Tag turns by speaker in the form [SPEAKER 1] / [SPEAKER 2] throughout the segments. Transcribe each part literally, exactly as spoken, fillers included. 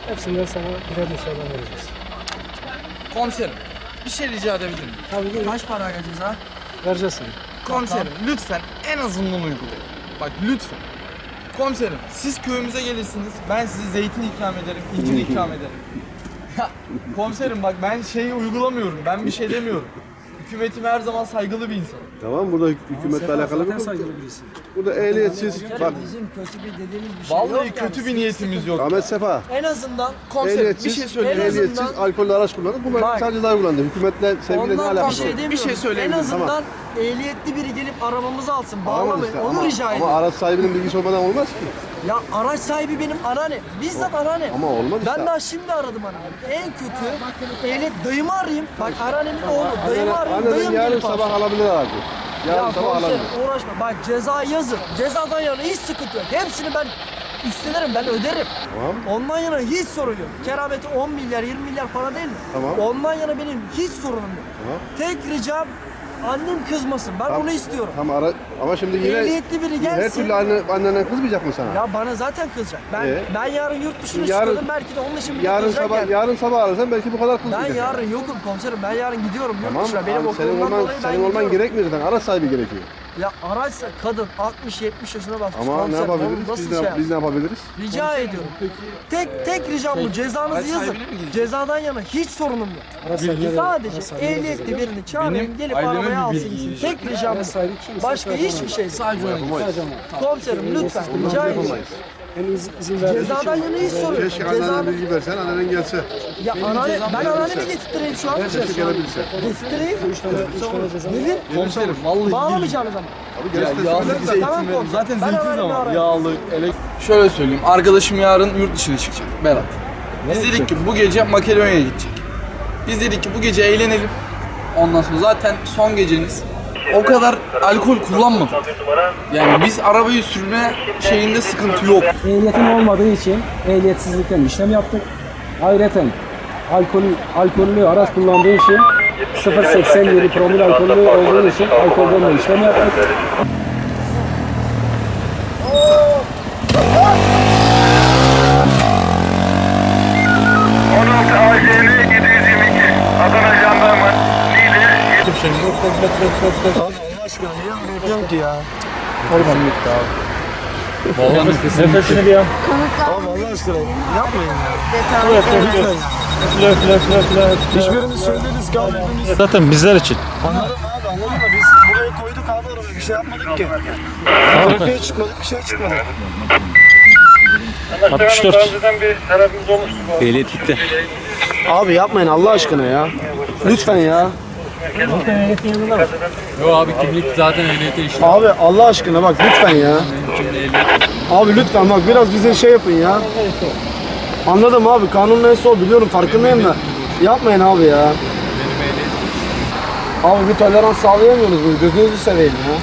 [SPEAKER 1] Hepsinden sana birer inşallah vereceğiz.
[SPEAKER 2] Komiserim, bir şey rica edebilir miyim?
[SPEAKER 1] Tabii ki
[SPEAKER 3] Kaç para ceza?
[SPEAKER 1] vereceğiz sana.
[SPEAKER 2] Komiserim, lütfen en azından uygulayın. Bak lütfen. Komiserim, siz köyümüze gelirsiniz, ben size zeytin ikram ederim, incir ikram ederim. Ya, komiserim bak ben şeyi uygulamıyorum, ben bir şey demiyorum. Hükümetime her zaman saygılı bir insanım.
[SPEAKER 4] Tamam, burada hükümetle alakalı
[SPEAKER 1] Zaten
[SPEAKER 4] bir konu.
[SPEAKER 1] saygılı birisin.
[SPEAKER 4] Burada ehliyetsiz, bak
[SPEAKER 3] Bizim kötü bir dediğimiz bir şey yok.
[SPEAKER 2] Vallahi
[SPEAKER 3] yani.
[SPEAKER 2] kötü bir niyetimiz yok.
[SPEAKER 4] Ahmet Sefa,
[SPEAKER 3] En azından
[SPEAKER 2] Komiserim, bir
[SPEAKER 4] ehliyetsiz,
[SPEAKER 2] şey söyleyeyim.
[SPEAKER 3] En azından-
[SPEAKER 4] ehliyetsiz alkollü araç kullanır. Bu
[SPEAKER 3] Bak.
[SPEAKER 4] sadece ceza kullandı. Hükümetle, sevgiyle ne
[SPEAKER 3] ondan
[SPEAKER 4] alakası
[SPEAKER 3] bir şey
[SPEAKER 4] var?
[SPEAKER 3] demiyorum.
[SPEAKER 2] Bir şey söyleyebilirim.
[SPEAKER 3] En azından
[SPEAKER 4] Tamam.
[SPEAKER 3] ehliyetli biri gelip arabamızı alsın.
[SPEAKER 4] Tamam
[SPEAKER 3] Bağlamayın.
[SPEAKER 4] işte,
[SPEAKER 3] Onu
[SPEAKER 4] ama,
[SPEAKER 3] rica
[SPEAKER 4] ama
[SPEAKER 3] ediyorum.
[SPEAKER 4] araç sahibinin bilgisi olmadan olmaz ki.
[SPEAKER 3] Ya araç sahibi benim anneannem. Bizzat anneannem.
[SPEAKER 4] Ama olmaz
[SPEAKER 3] Ben
[SPEAKER 4] işte.
[SPEAKER 3] daha şimdi aradım anneannemi. En kötü ehliyet dayımı arayayım. Bak anneannemin oğlu. Dayımı arayayım.
[SPEAKER 4] Annenin
[SPEAKER 3] Dayım
[SPEAKER 4] yarın
[SPEAKER 3] gelip
[SPEAKER 4] sabah
[SPEAKER 3] alsın.
[SPEAKER 4] alabilir aracı. Yarın
[SPEAKER 3] Ya
[SPEAKER 4] sabah
[SPEAKER 3] komiserim
[SPEAKER 4] alabilir.
[SPEAKER 3] uğraşma. Bak ceza yazın. Cezadan yana hiç sıkıntı yok. Hepsini ben üstlenirim. Ben öderim.
[SPEAKER 4] Tamam.
[SPEAKER 3] Ondan yana hiç sorun yok. Kerameti on milyar yirmi milyar para değil mi?
[SPEAKER 4] Tamam.
[SPEAKER 3] Ondan yana benim hiç sorunum yok.
[SPEAKER 4] Tamam.
[SPEAKER 3] Tek ricam annem kızmasın. Ben onu istiyorum.
[SPEAKER 4] Tamam, ara, ama şimdi yine
[SPEAKER 3] Ehliyetli biri
[SPEAKER 4] her
[SPEAKER 3] gelsin.
[SPEAKER 4] türlü anne, annenden kızmayacak mı sana?
[SPEAKER 3] Ya bana zaten kızacak. Ben
[SPEAKER 4] Ee?
[SPEAKER 3] ben yarın yurt dışına
[SPEAKER 4] Yarın-
[SPEAKER 3] çıkıyordum. Belki de onun için bile
[SPEAKER 4] Yarın
[SPEAKER 3] kızacak
[SPEAKER 4] sabah,
[SPEAKER 3] yani.
[SPEAKER 4] yarın sabah arasan belki bu kadar
[SPEAKER 3] Ben
[SPEAKER 4] kızmayacak.
[SPEAKER 3] yarın yokum komiserim. Ben yarın gidiyorum yurt
[SPEAKER 4] Tamam,
[SPEAKER 3] dışına. Benim
[SPEAKER 4] abi senin
[SPEAKER 3] okulumdan
[SPEAKER 4] olman,
[SPEAKER 3] dolayı ben
[SPEAKER 4] senin olman
[SPEAKER 3] gidiyorum.
[SPEAKER 4] gerekmiyor zaten. Araç sahibi gerekiyor.
[SPEAKER 3] Ya araçsa kadın altmış yetmiş yaşına basmış
[SPEAKER 4] Ama ne
[SPEAKER 3] komiserim.
[SPEAKER 4] yapabiliriz?
[SPEAKER 3] Onu nasıl
[SPEAKER 4] Biz
[SPEAKER 3] şey
[SPEAKER 4] ne,
[SPEAKER 3] yapsın?
[SPEAKER 4] biz ne yapabiliriz?
[SPEAKER 3] Rica ediyorum. Tek tek ricam bu. Cezanızı
[SPEAKER 2] araç
[SPEAKER 3] yazın.
[SPEAKER 2] sahibine mi gidecek?
[SPEAKER 3] Cezadan yana hiç sorunum yok.
[SPEAKER 1] Araç sahibine de-
[SPEAKER 3] Sadece
[SPEAKER 1] araç sahibine de
[SPEAKER 3] ehliyetli
[SPEAKER 1] vereceğiz.
[SPEAKER 3] birini çağırın
[SPEAKER 2] Benim
[SPEAKER 3] gelip
[SPEAKER 2] aileme
[SPEAKER 3] arabaya
[SPEAKER 2] bir
[SPEAKER 3] alsın
[SPEAKER 2] bilgi
[SPEAKER 3] gitsin.
[SPEAKER 2] verecek.
[SPEAKER 3] Tek ricam
[SPEAKER 1] Araç
[SPEAKER 3] bu.
[SPEAKER 1] sahibi kimse
[SPEAKER 3] Başka
[SPEAKER 1] şey
[SPEAKER 3] hiçbir şey değil.
[SPEAKER 2] Sadece onu.
[SPEAKER 1] Sadece ama.
[SPEAKER 3] Komiserim lütfen rica ediyorum.
[SPEAKER 1] Hem iz, izin verdiği için.
[SPEAKER 3] Cezadan yana hiç sorun yok.
[SPEAKER 4] Keşke annene
[SPEAKER 3] Ceza...
[SPEAKER 4] bilgi versen, annen gelse.
[SPEAKER 3] Ya anneanne, ben anneannemi getirtireyim şu an.
[SPEAKER 4] Keşke gelebilse.
[SPEAKER 3] Getirtireyim.
[SPEAKER 1] Üç tane, üç tane ceza.
[SPEAKER 3] Nedir?
[SPEAKER 2] Komiserim, vallahi
[SPEAKER 3] Bağlamayacağınız ama.
[SPEAKER 4] Abi
[SPEAKER 2] Ya,
[SPEAKER 4] gerisi de
[SPEAKER 2] yağlı
[SPEAKER 4] söyler de-
[SPEAKER 2] zeytin
[SPEAKER 3] Tamam,
[SPEAKER 2] verin.
[SPEAKER 3] komiserim.
[SPEAKER 2] Zaten
[SPEAKER 3] Ben
[SPEAKER 2] zeytin
[SPEAKER 3] öğrendim,
[SPEAKER 2] ama
[SPEAKER 3] öğrendim.
[SPEAKER 2] yağlı, elek... Şöyle söyleyeyim, arkadaşım yarın yurt dışına çıkacak, Berat. Biz dedik ki bu gece Makedonya'ya gidecek. Biz dedik ki bu gece eğlenelim. Ondan sonra zaten son geceniz. O kadar alkol kullanmadık. Yani biz arabayı sürme şeyinde sıkıntı yok.
[SPEAKER 1] Ehliyetin olmadığı için ehliyetsizlikten işlem yaptık. Ayrıca alkol, alkollü araç kullandığı için sıfır virgül seksen yedi promil alkollü olduğu için alkolden de işlem yaptık.
[SPEAKER 5] on altı A J L yedi yüz yirmi iki Adana Jandarma Niğde
[SPEAKER 1] Nefesini bir al.
[SPEAKER 6] Hiçbirimiz söyleriz ki abi biz
[SPEAKER 1] Zaten bizler için.
[SPEAKER 6] anladım abi anladım da biz buraya koyduk abi arabayı bir şey yapmadık ki. Trafiğe çıkmadık bir şey çıkmadık.
[SPEAKER 1] altmış dört.
[SPEAKER 5] önceden bir tarafımız olmuştu bu.
[SPEAKER 1] Ehliyet gitti.
[SPEAKER 6] Abi yapmayın Allah aşkına ya. Lütfen ya.
[SPEAKER 7] Yo abi kimlik zaten ehliyete işte.
[SPEAKER 6] Abi Allah aşkına bak lütfen ya. Abi lütfen bak biraz bize şey yapın ya. Anladım abi kanun neyse o biliyorum farkındayım da. Yapmayın abi ya. Abi bir tolerans sağlayamıyorsunuz bunu gözünüzü seveyim ya.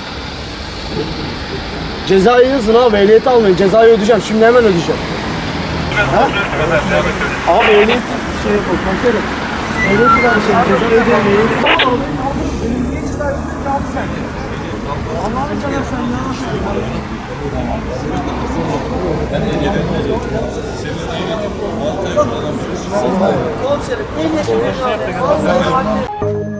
[SPEAKER 6] Cezayı yazın abi ehliyeti almayın cezayı ödeyeceğim şimdi hemen ödeyeceğim. Ha? Abi ehliyet şey yapalım komiserim. Ehliyeti var şey cezayı ödemeyin. Allah'ını seversen ya.
[SPEAKER 3] Komiserim ehliyetli birini arayın.